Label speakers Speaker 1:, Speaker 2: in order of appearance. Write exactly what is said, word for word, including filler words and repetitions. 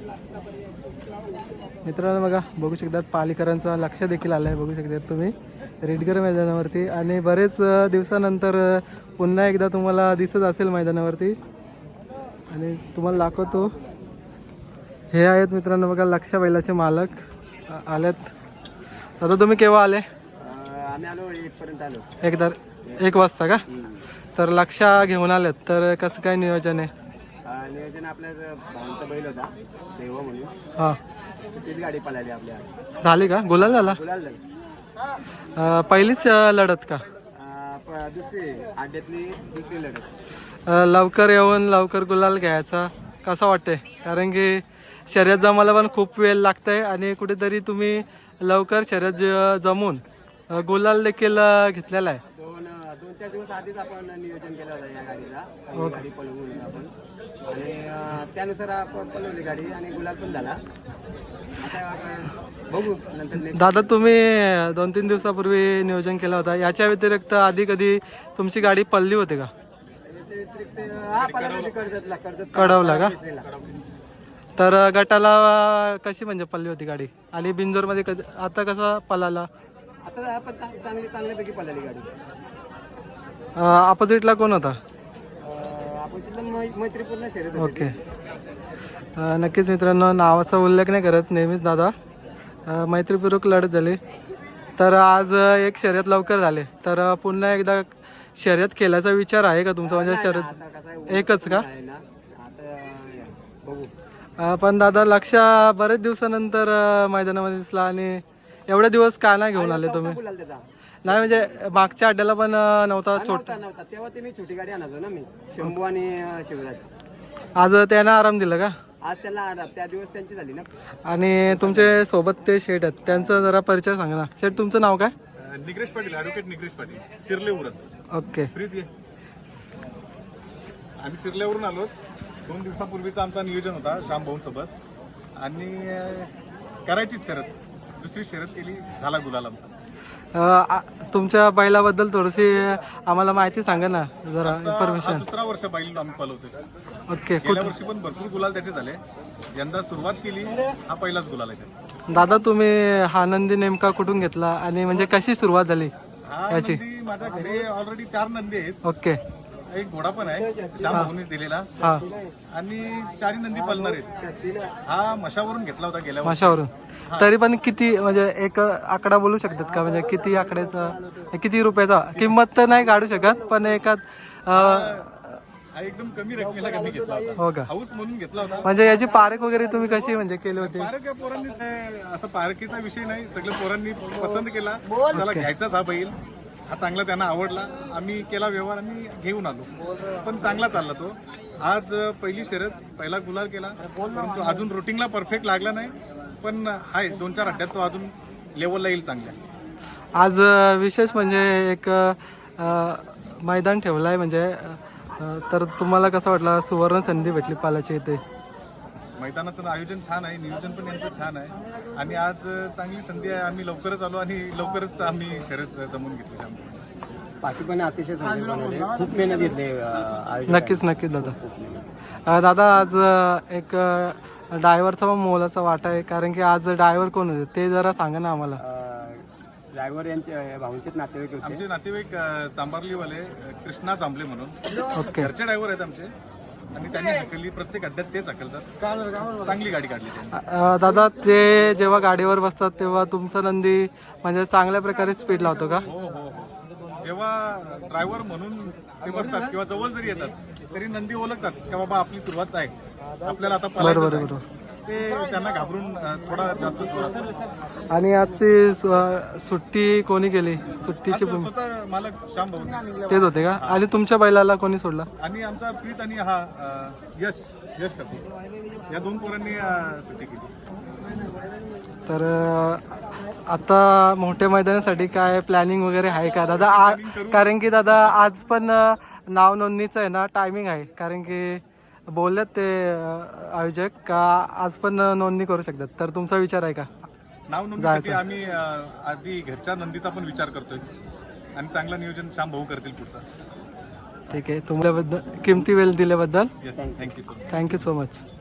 Speaker 1: मित्रांनो बघा, बघू शकतात पालीकरांचं लक्ष देखील आलं आहे, बघू शकतात तुम्ही रेडगर मैदानावरती. आणि बरेच दिवसानंतर पुन्हा एकदा तुम्हाला दिसत असेल मैदानावरती. आणि तुम्हाला दाखवतो, हे आहेत मित्रांनो बघा लक्ष बैलाचे मालक आलेत. आता तुम्ही केव्हा आले?
Speaker 2: आम्ही आलो एक पर्यंत आलो.
Speaker 1: एक तर एक वाजता का? तर लक्ष घेऊन आलेत, तर कसं काय नियोजन आहे?
Speaker 2: नियोजन आपल्या भावांचा बैल होता देव म्हणून,
Speaker 1: हां
Speaker 2: तीच गाडी पळाली आपल्या.
Speaker 1: झाली का? गुलाल झाला?
Speaker 2: गुलाल झाली.
Speaker 1: अं, पहिलीच लढत का?
Speaker 2: प- दुसरी अड्ड्यातली दुसरी लढत.
Speaker 1: अं, लवकर येऊन लवकर गुलाल घ्यायचा कसं वाटतंय? कारण की शर्यत जमायला पण खूप वेळ लागतंय आणि कुठेतरी तुम्ही लवकर शर्यत ज- जमून अं, गुलाल देखील अं, घेतलेला आहे.
Speaker 2: दोन दोन चार दिवस आधीच आपण नियोजन केलं होतं या गाडीचा.
Speaker 1: हो.
Speaker 2: गाडी पळवून आपण आणि अं, त्यानुसार आपण पळवली गाडी आणि गुलाल पण झाला. आता आपण बघू नंतर next.
Speaker 1: दादा तुम्ही दोन तीन दिवसापूर्वी नियोजन केलं होतं, याच्या व्यतिरिक्त आधी कधी तुमची गाडी पडली होती का?
Speaker 2: याच्या व्यतिरिक्त हा पळाला होती कर्जतला. कर्जत
Speaker 1: कडवला का?
Speaker 2: केसरीला.
Speaker 1: तर गटाला कशी म्हणजे पडली होती गाडी? आणि बिंजोरमध्ये कधी आता कसा पळाला?
Speaker 2: आता आपण चांग- चांगली चांगल्यापैकी पळाली गाडी.
Speaker 1: अपोजिटला कोण होता?
Speaker 2: अं, आपण तिथलं मै- मैत्रीपूर्ण शर्यत होती.
Speaker 1: ओके. अ, नक्कीच मित्रांनो, नावाचा उल्लेख नाही करत नेहमीच दादा. अ, मैत्रीपूर्वक लढत झाली. तर आज अ, एक शर्यत लवकर झाले, तर अ, पुन्हा एकदा शर्यत केल्याचा विचार आहे का तुमचा? म्हणजे
Speaker 2: आता
Speaker 1: शर्यत
Speaker 2: कसं आहे,
Speaker 1: एकच का?
Speaker 2: आहे ना, आता बघू.
Speaker 1: अ, पण दादा लक्ष बरेच दिवसानंतर अ, मैदानामध्ये दिसला. आणि एवढे दिवस का नाही घेऊन आले तुम्ही?
Speaker 2: गुलाल त्याचा.
Speaker 1: नाही म्हणजे मागच्या अड्ड्याला पण अ, नव्हता छोट.
Speaker 2: नव्हता नव्हता तेव्हा ते मी छोटी गाडी आणायचो ना मी, शंभू आणि अं, शिवराज.
Speaker 1: आज त्यानं आराम दिला का?
Speaker 2: आज त्याला आराम- त्या दिवस त्यांची झाली ना.
Speaker 1: आणि तुमचे सोबत ते शेठ आहेत, त्यांचा जरा परिचय सांगा ना. शेठ तुमचं नाव काय?
Speaker 3: निग्रेश पाटील, ॲडव्होकेट निग्रेश पाटील, चिरले उरण.
Speaker 1: ओके.
Speaker 3: प्रीत ये. आम्ही चिरल्यावरून आलो. दोन दिवसापूर्वीचा आमचा नियोजन होता श्याम भाऊंसोबत आणि अं, करायचीच शर्यत. दुसरी शर्यत केली, झाला गुलाल आमचा.
Speaker 1: अ, आ- तुमच्या बैलाबद्दल थोडीशी आम्हाला माहिती सांगा ना जरा,
Speaker 3: हा
Speaker 1: इन्फॉर्मेशन.
Speaker 3: दुसरा वर्ष बैल आम्ही पळवतोय.
Speaker 1: ओके.
Speaker 3: गेल्या वर्षी पण भरपूर गुलाल त्याचे झाले. यंदा सुरुवात केली, हा पहिलाच गुलाल आहे त्याचा.
Speaker 1: दादा तुम्ही हा नंदी नेमका कुठून घेतला आणि म्हणजे कशी सुरुवात झाली
Speaker 3: हा
Speaker 1: याची?
Speaker 3: नंदी माझ्या घरी ऑलरेडी चार नंदी आहेत.
Speaker 1: ओके.
Speaker 3: एक घोडा पण आहे श्याम भाऊनीच दिलेला
Speaker 1: हा
Speaker 3: आणि चारी नंदी पळणार आहेत. हा मशावरून घेतला होता गेल्या वर्षी.
Speaker 1: माशावरून. तरी पण किती म्हणजे एक आकडा बोलू शकतात का? म्हणजे किती आकड्याचा, किती रुपयाचा? किंमत तर नाही काढू शकत, पण एकात अ,
Speaker 3: हा एकदम कमी रकमेला कमी घेतला होता.
Speaker 1: हो का?
Speaker 3: हाऊस म्हणून घेतला होता.
Speaker 1: म्हणजे याची पारख वगैरे तुम्ही कशी म्हणजे केली होती?
Speaker 3: पारक या पोरांनी काय असं पारखीचा विषय नाही, सगळ्या पोरांनी पसंत केला. त्याला घ्यायचाच हा बैल. हा चांगला त्यांना आवडला. आम्ही केला व्यवहार आणि घेऊन आलो. पण चांगला चालला तो. आज पहिली शर्यत, पहिला गुलाल केला, परंतु अजून रुटीनला परफेक्ट लागला नाही. पण हाय दोन चार अड्ड्यात तो अजून लेवलला येईल चांगल्या.
Speaker 1: आज अ, विशेष म्हणजे एक अ, मैदान ठेवलं आहे म्हणजे अ, तर तुम्हाला कसं वाटलं? सुवर्ण संधी भेटली पालाची इथे.
Speaker 3: मैदानाचं आयोजन छान आहे, नियोजन पण यांचं छान आहे आणि आज चांगली संधी आहे. आम्ही लवकरच आलो आणि लवकरच आम्ही शर्यत जमून घेतली शाम.
Speaker 2: बाकी पण अतिशय चांगले बनवले. खूप मेहनत घेतली अं, आयोजकांनी.
Speaker 1: नक्कीच नक्कीच दादा. अ, दादा आज अ, एक ड्रायव्हरचा पण मोलाचा वाटा आहे, कारण की आज ड्रायव्हर कोण होते ते जरा सांगा ना आम्हाला.
Speaker 2: ड्रायव्हर यांचे भाऊंचेच नातेवाईक होते.
Speaker 3: आमचे नातेवाईक अ, चांबारलीवाले अ, कृष्णा चांबले म्हणून
Speaker 1: ओके.
Speaker 3: घरचे ड्रायव्हर आहेत आमचे आणि त्यांनी हाकली. प्रत्येक अड्ड्यात तेच हाकलतात. चांगली गाडी काढली त्यांनी.
Speaker 1: अ, दादा ते जेव्हा गाडीवर बसतात तेव्हा तुमचा नंदी म्हणजे चांगल्या प्रकारे स्पीड लावतो का?
Speaker 3: हो हो हो. जेव्हा ड्रायव्हर म्हणून ते बसतात किंवा जवळ जरी येतात तरी नंदी ओळखतात की बाबा आपली सुरुवात आहे, आपल्याला आता
Speaker 1: बरोबर
Speaker 3: पळायचं आहे.
Speaker 1: बरोबर.
Speaker 3: ते त्यांना घाबरून अ, थोडा जास्त सोडतात.
Speaker 1: आणि आजची सु- सुट्टी कोणी केली? सुट्टीची
Speaker 3: आज
Speaker 1: भूमी
Speaker 3: स्वतः मालक श्याम भाऊ
Speaker 1: तेच होते का? आणि तुमच्या बैलाला कोणी सोडला?
Speaker 3: आणि आमचा प्रीत आणि हा अ, यश यश कपूर या दोन पोरांनी अ, सुट्टी केली.
Speaker 1: तर अ, आता मोठ्या मैदानासाठी काय प्लॅनिंग वगैरे आहे का दादा? आ- कारण की दादा आज पण अ, नाव नोंदणीचं आहे ना टायमिंग आहे, कारण की बोललेत ते अ, आयोजक का आज पण नोंदणी करू शकतात. तर तुमचा विचार आहे का?
Speaker 3: नाव नोंदणीसाठी आम्ही अ, आधी घरच्या नंदीचा पण विचार करतोय आणि चांगलं नियोजन श्याम भाऊ करतील पुढचा.
Speaker 1: ठीक आहे. तुमच्याबद्दल किमती वेळ दिल्याबद्दल
Speaker 3: yes, thank you so much.
Speaker 1: Thank you so much.